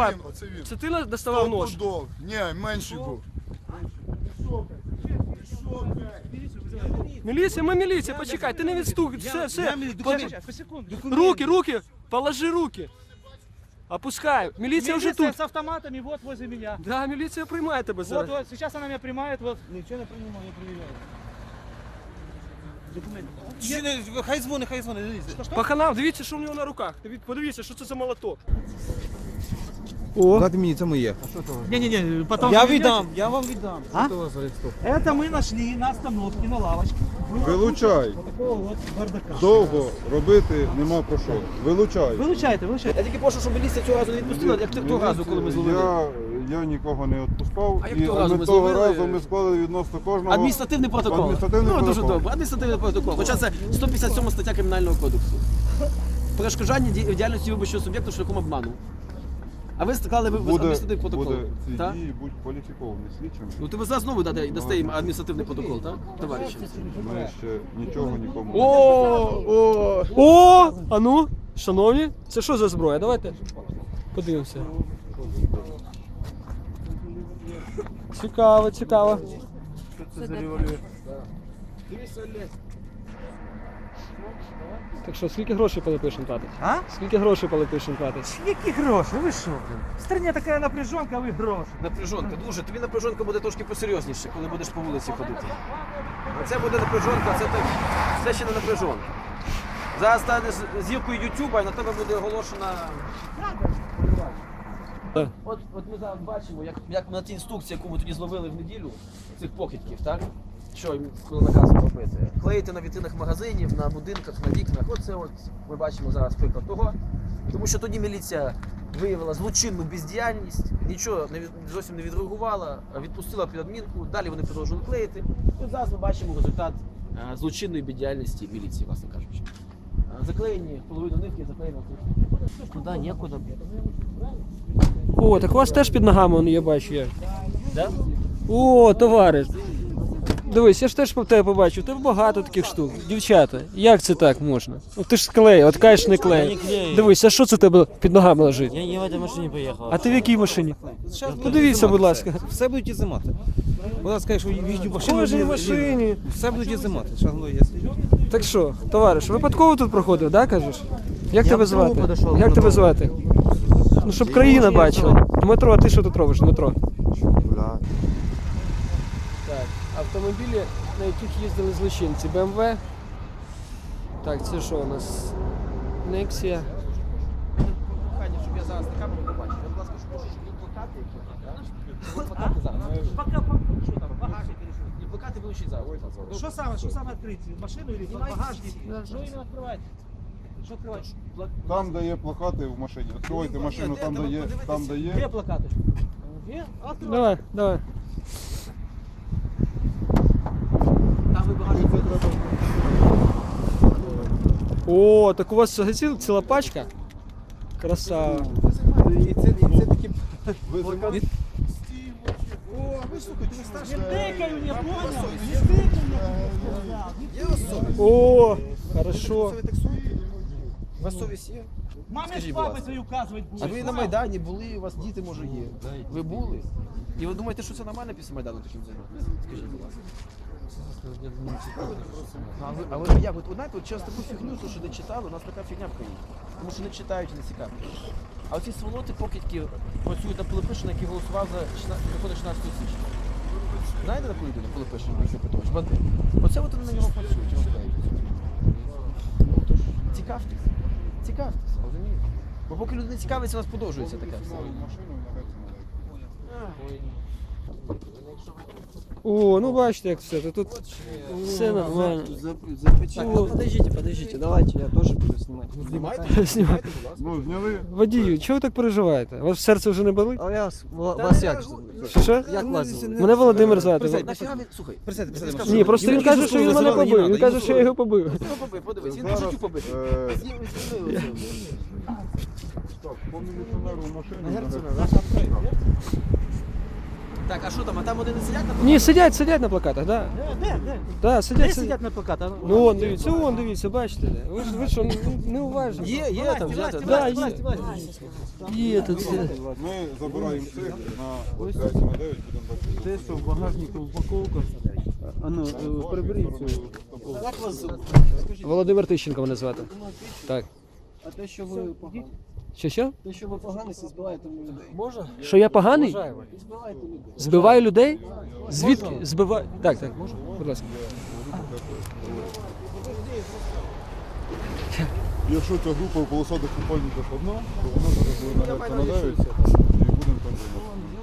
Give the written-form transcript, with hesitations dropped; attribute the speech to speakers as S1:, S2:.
S1: давай.
S2: Оце він.
S1: Це ти доставав нож?
S2: Стопудов. Ні, менший був.
S1: Міліція, ми міліція, почекай, ти не відстук, все. Руки, положи руки. Опускай, міліція вже тут.
S3: С автоматами вот возле меня.
S1: Да, міліція приймає тебе зараз.
S3: Вот, сейчас она меня примает, вот. Ничего не принимаю, я проверяю. Документы.
S4: Хай дзвони, дивіться.
S1: Паханам, дивіться, що в нього на руках. Подивіться, що це за молоток. О,
S4: Дайте мені, це моє.
S3: Не-не-не, потом...
S4: Я віддам, я вам віддам.
S3: А? Это мы нашли на остановке, на лавочке.
S5: Вилучай.
S3: Вот такого вот бардака.
S5: Довго робити нема про що. Вилучай.
S3: Вилучайте.
S1: я тільки прошу, щоб міліція цього разу не відпустила, як того разу, коли ми зловили.
S5: Я нікого не відпускав.
S1: А як
S5: І
S1: того разу ми
S5: того
S1: зловили?
S5: разу ми склали відносно кожного.
S1: Адміністративний протокол.
S5: Адміністративний
S1: Дуже
S5: протокол.
S1: добре. Адміністративний протокол. Хоча це 157 стаття Кримінального кодексу. Перешкоджання діяльності виборчого суб'єкту шляхом обману. А ви склали адміністративний протокол.
S5: Буде ці
S1: Так?
S5: дії будуть кваліфіковані слідчим.
S1: Ну ти ви зараз знову дасте їм адміністративний протокол, так, товариші?
S5: Ми ще нічого нікому.
S1: О! А ну, шановні, це що за зброя? Давайте подивимося. Цікаво. Так що, скільки грошей Пилипишин платить?
S3: А?
S1: Скільки грошей Пилипишин платить?
S3: Які гроші? Ви що, блин? В стране така напряженка, а ви гроші.
S1: Напряжонка, дуже. Тобі напряжонка буде трошки посерйозніше, коли будеш по вулиці ходити. А це буде напряжонка, це ще не напряжонка. Зараз станеш зіркою Ютуба і на тебе буде оголошена. От ми зараз бачимо, як на тій інструкції, яку ми тоді зловили в неділю, цих похитків, так? Що їм наказано робити? Клеїти на вітринах магазинів, на будинках, на вікнах. Оце от ми бачимо зараз приклад того. Тому що тоді міліція виявила злочинну бездіяльність, нічого зовсім не відреагувала, відпустила під адмінку, далі вони продовжували клеїти. І зараз ми бачимо результат злочинної бездіяльності міліції, власне кажучи. Заклеєні половину нитки, заклеєна тут. Куди, нікуди. О, так у вас теж під ногами, я бачу як. Да? О, товариш. Дивись, я ж теж по тебе побачив, тебе багато таких штук. Дівчата, як це так можна? Ну ти ж склеїв, от кажеш не клеїв. Дивись, а що це тебе під ногами лежить?
S4: Я в цій машині поїхав.
S1: А ти в якій машині? Подивіться, будь ласка.
S4: Все будуть ізимати. Вона скаже, що їжджу в машину.
S1: Кожній машині.
S4: Все будуть ізимати.
S1: Так що, товариш, випадково тут проходив, да, кажеш? Як тебе звати?
S4: подошов,
S1: Як тебе звати? Ну, щоб країна бачила. Дмитро, а ти що тут робиш, Дмитро? Так, автомобілі, на яких їздили злочинці. BMW. Так, це що у нас? Nexia. Щоб я зараз на камеру побачив. Я, будь ласка, прошу, щоб були плакати які. Плакати зараз.
S3: Що там, багажник или що?
S1: І плакати вилучить зараз.
S3: Що саме відкрити? Машину или багажник? Що іменно відкривати? Що відкривати?
S5: Там, де є плакати в машині. Відкривайте машину, там, де є.
S3: Де плакати? Є?
S1: Давай.
S3: Там ви багажник відкривати.
S1: О, так у вас ціла пачка? Красава.
S5: І це такі...
S3: Не тикаю, не понял?
S1: О, хорошо.
S6: У вас совість є?
S3: Мамі
S6: Скажіть,
S3: з
S6: будь
S3: папою
S6: ласка.
S3: свою вказувати
S6: А
S3: будеш.
S6: ви на Майдані були, у вас діти, може, є. Ви були? І ви думаєте, що це нормально після Майдану таким займатися? Скажіть, будь ласка. А ви як? От знаєте, от через таку фігню, що не читали, у нас така фігня в країні. Тому що не читають і не цікавлять. А оці сволоти покидьки працюють на Пилипишина, який голосував за закони 16 січня. Знаєте таку людину, Пилипишин, Олексій Петрович, бандит? Оце от вони на нього працюють, розповідають. Тож, цікавтеся, розумієте? Бо поки люди не цікавляться, у нас подовжується таке все.
S1: О, ну бачите, як все. Тут все нормально.
S6: Подождите, давайте, я тоже буду снимать.
S1: Знімайте.
S5: Ну, зняли.
S1: Водію, чого ви так переживаєте? У вас серце вже не болить?
S6: А я вас як?
S1: Що?
S6: Як вас?
S1: Мене Володимир звати.
S6: Слухай,
S1: Ні, просто він каже, що він мене побив. Він каже, що я його побив.
S6: подивись, він по життю побив.
S5: Так, по міліціонеру в машину.
S1: Так, а що там? А там вони не сидять на
S7: Ні, сидять на плакатах, так.
S3: Де?
S7: Да,
S3: Де
S7: сидять.
S3: сидять на плакатах?
S7: Ну вон, дивіться, бачите. Ви що, не уважні?
S1: Є там, взяти.
S7: Да, є тут.
S5: Ми забираємо цих на 5 на 9, будемо бачити.
S4: Те, що в багажнику упаковка. А ну, приберіть цю.
S1: Як вас зовут?
S7: Володимир Тищенко мене звати. Так.
S8: А те, що ви погані,
S7: Що?
S8: те, що ви погані, це збиваєте людей.
S1: Можна?
S7: Що я поганий?
S8: Збиваєте людей.
S7: Збиваю людей? Звідки? Збиваю. Так, можна? Будь ласка.
S5: Якщо ця група в полосатих купальниках одна, то вона зараз буде на 9 і будемо там займатися.